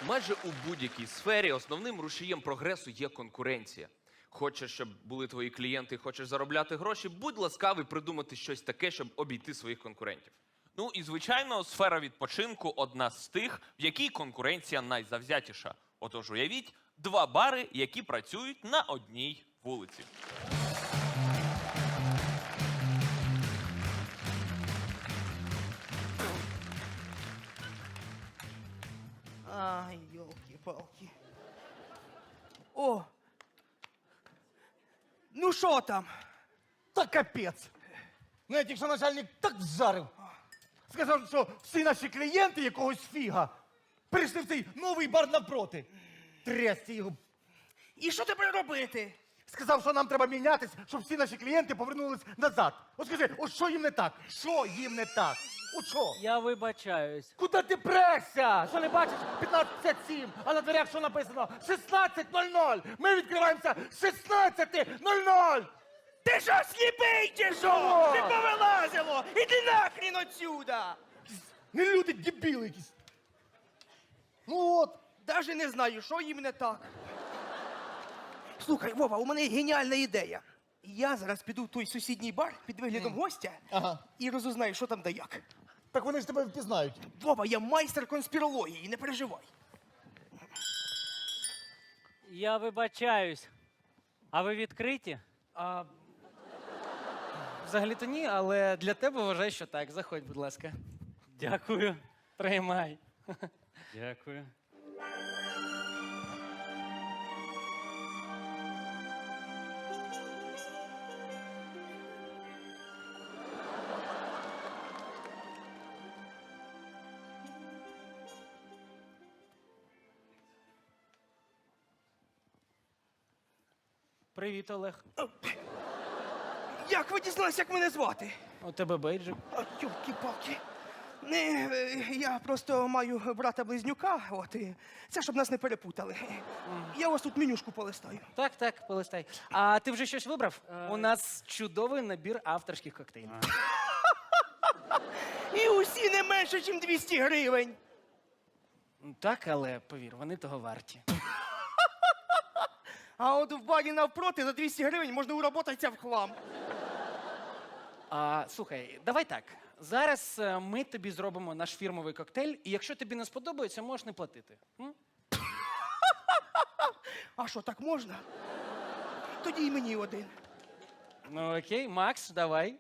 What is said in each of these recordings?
Майже у будь-якій сфері основним рушієм прогресу є конкуренція. Хочеш, щоб були твої клієнти, хочеш заробляти гроші, будь ласкавий придумати щось таке, щоб обійти своїх конкурентів. Ну і, звичайно, сфера відпочинку – одна з тих, в якій конкуренція найзавзятіша. Отож, уявіть, 2 бари, які працюють на одній вулиці. Ай, ёлки-палки. О! Ну що там? Та капець. Ну, я тільки що начальник так вжарив. Сказав, що всі наші клієнти якогось фіга прийшли в цей новий бар напроти. Трясти його. І що тепер робити? Сказав, що нам треба мінятись, щоб всі наші клієнти повернулись назад. От скажи, от що їм не так? Що їм не так? От що? Я вибачаюсь. Куди ти прешся? Що не бачиш? 15:57, а на дверях що написано? 16:00. Ми відкриваємося 16:00. Ти що, сліпий чи що? Не повилазило! Іди нахрін отсюда! Не люди, дебіли якісь. Ну от. Даже не знаю, що їм не так. Слухай, Вова, у мене геніальна ідея. Я зараз піду в той сусідній бар під виглядом гостя і розузнаю, що там да як. Так вони ж тебе впізнають. Вова, я майстер конспірології, не переживай. Я вибачаюсь. А ви відкриті? Взагалі-то ні, але для тебе вважаю, що так. Заходь, будь ласка. Дякую. Приймай. Дякую. Привіт, Олег. Як ви дізналися, як мене звати? У тебе бейджик. Йолки-палки. Не, я просто маю брата-близнюка, от, і це щоб нас не перепутали. Я у вас тут менюшку полистаю. Так, полистай. А ти вже щось вибрав? У нас чудовий набір авторських коктейлів. І усі не менше, ніж 200 гривень. Так, але повір, вони того варті. А от в барі навпроти за 200 гривень можна уработатися в хлам. Слухай, давай так. Зараз ми тобі зробимо наш фірмовий коктейль, і якщо тобі не сподобається, можеш не платити. А що, так можна? Тоді й мені один. Ну окей, Макс, давай.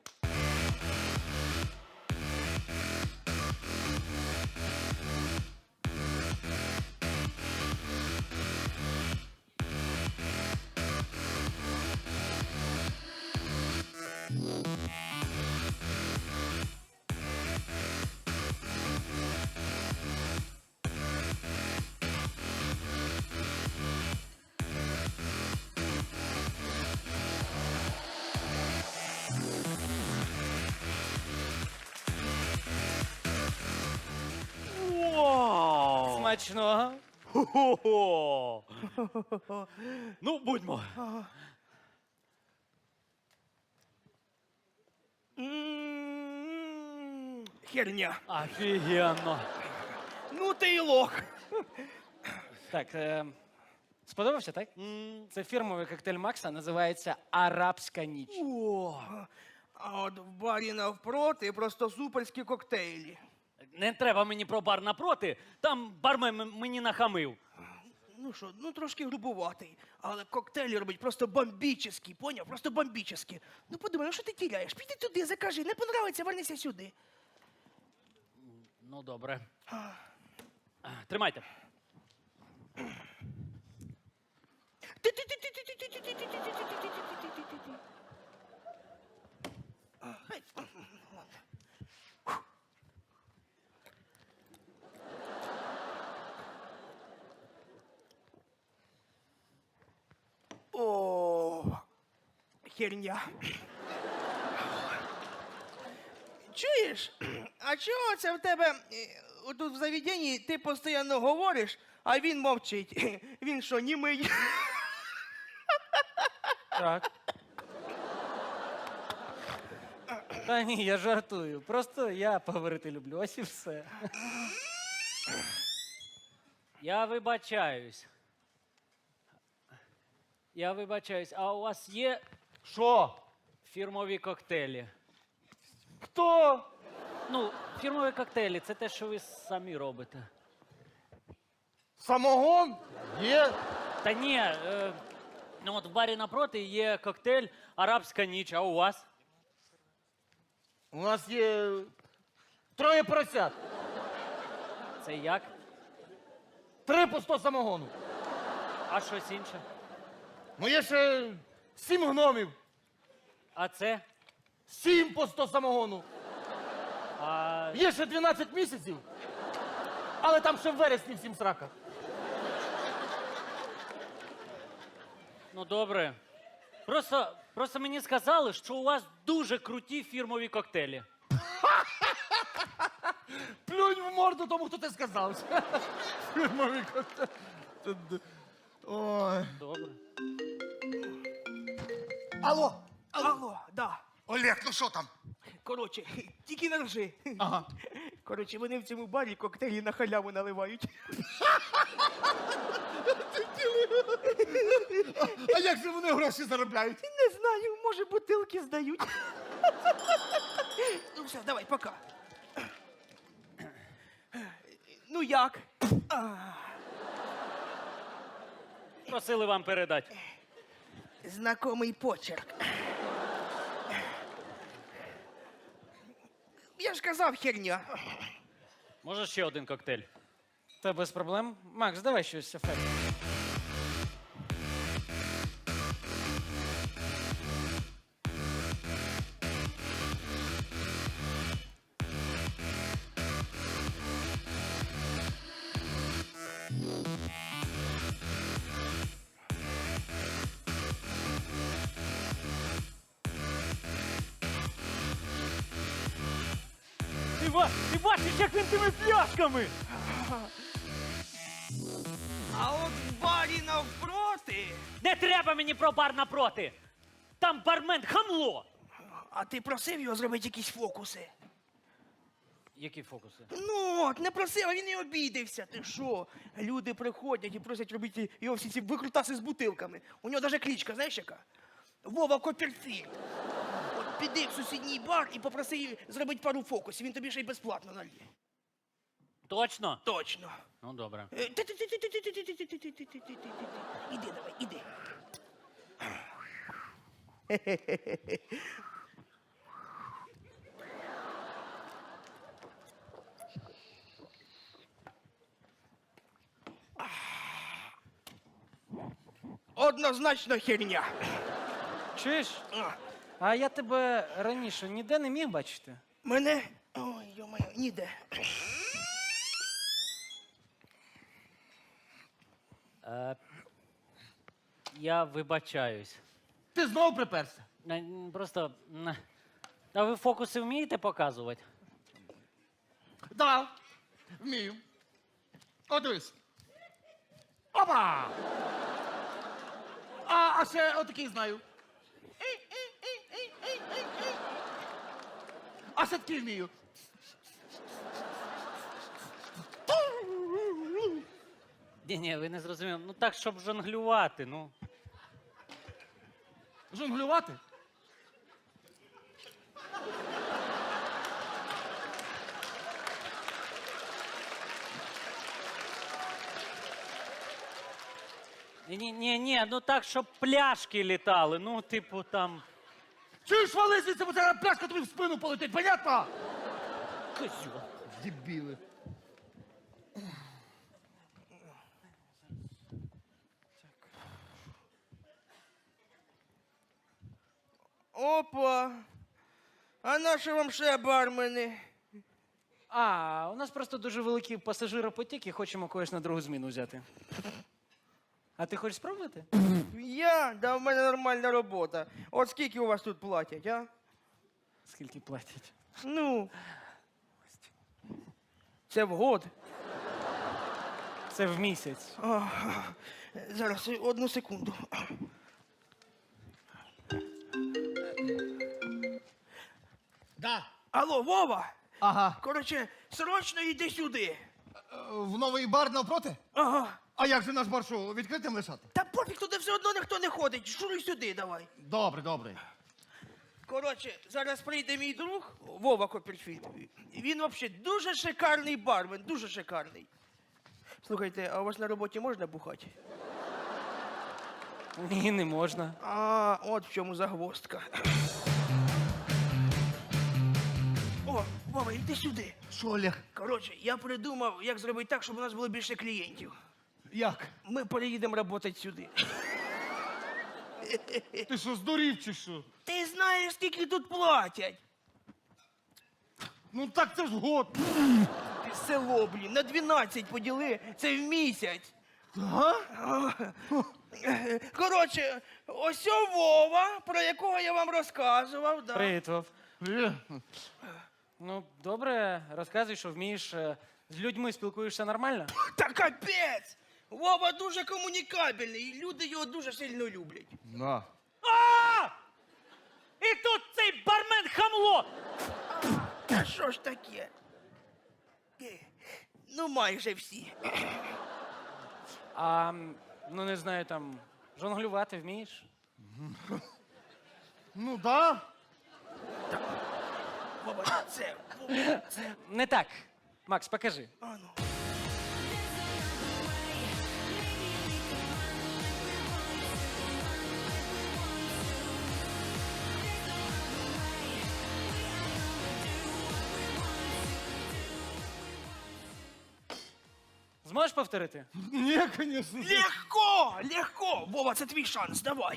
Вау! Смачного. Хо-хо-хо! Ну, будьмо. Херня. Офігенно. Ну ти й лох. Так, сподобався, так? Це фірмовий коктейль Макса, називається «Арабська ніч». А от в барі навпроти просто суперські коктейлі. Не треба мені про бар напроти. Там бармен мені нахамив. Ну що, ну трошки грубуватий, але коктейлі робить просто бомбічні, поняв? Просто бомбічні. Ну подумай, ну що ти тіряєш? Піди туди, закажи, не понравиться, вернися сюди. Ну, добре. Тримайте. О, херня. Чуєш? А чого це в тебе тут в заведенні ти постійно говориш, а він мовчить? Він що, німий? Так. Та ні, я жартую. Просто я поговорити люблю, ось і все. Я вибачаюсь. Я вибачаюсь, а у вас є Що? фірмові коктейлі? Хто? Ну, фірмові коктейлі це те, що ви самі робите. Самогон? Є. Та ні, ну от в барі напроти є коктейль Арабська ніч, а у вас? У нас є троє поросят. Це як? 3 по 100 самогону. А щось інше? Ну є ще 7 гномів. А це? 7 по 100 самогону. А Є ще 12 місяців. Але там ще в вересні всім срака. ну добре. Просто мені сказали, що у вас дуже круті фірмові коктейлі. Плюнь в морду тому, хто ти сказав. Фірмовий коктейль. Ой. Добре. Алло. Алло, да. Олег, ну що там? Коротше, тільки не ржи. Ага. Коротше, вони в цьому барі коктейлі на халяву наливають. А як же вони гроші заробляють? Не знаю, може бутилки здають. Ну все, давай, пока. Ну як? Просили вам передати. Знакомий почерк. Я ж казав, херня. Може ще один коктейль? Та без проблем. Макс, давай щось ефект. Ти бачиш, як він тими пляшками? А от в барі навпроти. Не треба мені про бар напроти. Там бармен хамло. А ти просив його зробити якісь фокуси? Які фокуси? Ну, от, не просив, а він і обідився. Ти що? Люди приходять і просять робити його всі ці викрутаси з бутилками. У нього навіть кличка, знаєш яка? Вова Копперфільд. От піди в сусідній бар і попроси зробити пару фокусів, він тобі ще й безплатно нальє. Точно? Точно. Ну добре. Іди давай, іди. Однозначно херня. Чуєш? А я тебе раніше ніде не міг бачити. Мене? Ой, йо-моє, ніде. Я вибачаюсь. Ти знову приперся? Просто. А ви фокуси вмієте показувати? Да, вмію. О, дивись. Опа! А ще отакий знаю. А ще такий вмію. Ні, ви не зрозуміли. Ну так, щоб жонглювати, ну. Жонглювати? Ні, ну так, щоб пляшки літали. Ну, типу, там. Чуєш, вали звідси, бо зараз пляшка тобі в спину полетить, понятно? Козьо. Дебіли. Опа. А на що вам ще бармени? А, у нас просто дуже великий пасажиропотік і хочемо когось на другу зміну взяти. А ти хочеш спробувати? Я? Да в мене нормальна робота. От скільки у вас тут платять, а? Скільки платять? Ну. Це в год. Це в місяць. Зараз, одну секунду. Да. Алло, Вова! Ага. Коротше, срочно йди сюди. В новий бар навпроти? Ага. А як же наш бар що, відкритим лишати? Та пофіг, туди все одно ніхто не ходить. Шуруй сюди, давай. Добре, добре. Коротше, зараз прийде мій друг Вова Копперфільд. Він взагалі дуже шикарний бармен, дуже шикарний. Слухайте, а у вас на роботі можна бухати? Ні, не можна. А, от в чому загвоздка. О, Вова, йди сюди. Що, Олег? Коротше, я придумав, як зробити так, щоб у нас було більше клієнтів. Як? Ми переїдемо працювати сюди. Ти що, здурів чи що? Ти знаєш, скільки тут платять? Ну так це ж год. Ти село, блін, на 12 поділи, це в місяць. Ага? Коротше, ось о Вова, про якого я вам розказував. Да. Привіт, Вов. Ну, добре, розказуй, що вмієш. З людьми спілкуєшся нормально? Та капець! Вова дуже комунікабельний, і люди його дуже сильно люблять. На. А! І тут цей бармен хамло! Та що ж таке? Ну, майже всі. А, ну не знаю, там, жонглювати вмієш? Ну да. Вова, це. Не так. Макс, покажи. А ну. Зможеш повторити? Ні, звісно. Легко! Легко! Вова, це твій шанс, давай.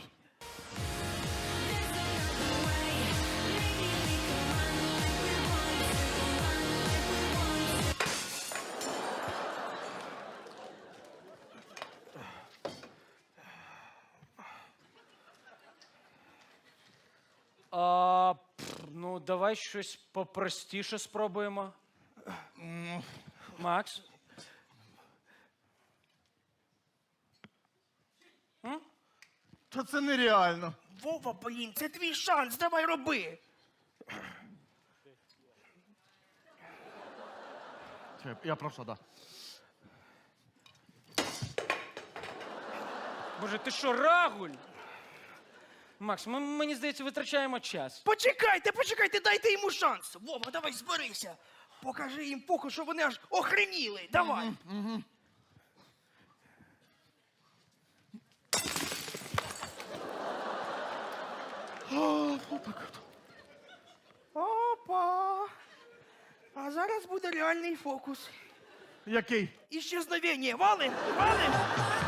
Ну, давай щось попростіше спробуємо. Макс? Та це нереально. Вова, блін, це твій шанс, давай роби. Я прошу, да. Боже, ти що, рагуль? Макс, ми, мені здається, витрачаємо час. Почекайте, дайте йому шанс. Вова, давай зберися. Покажи їм поки, що вони аж охреніли. Давай. Опа. А зараз буде реальний фокус. Який? Іщезновення. Валим! Валим!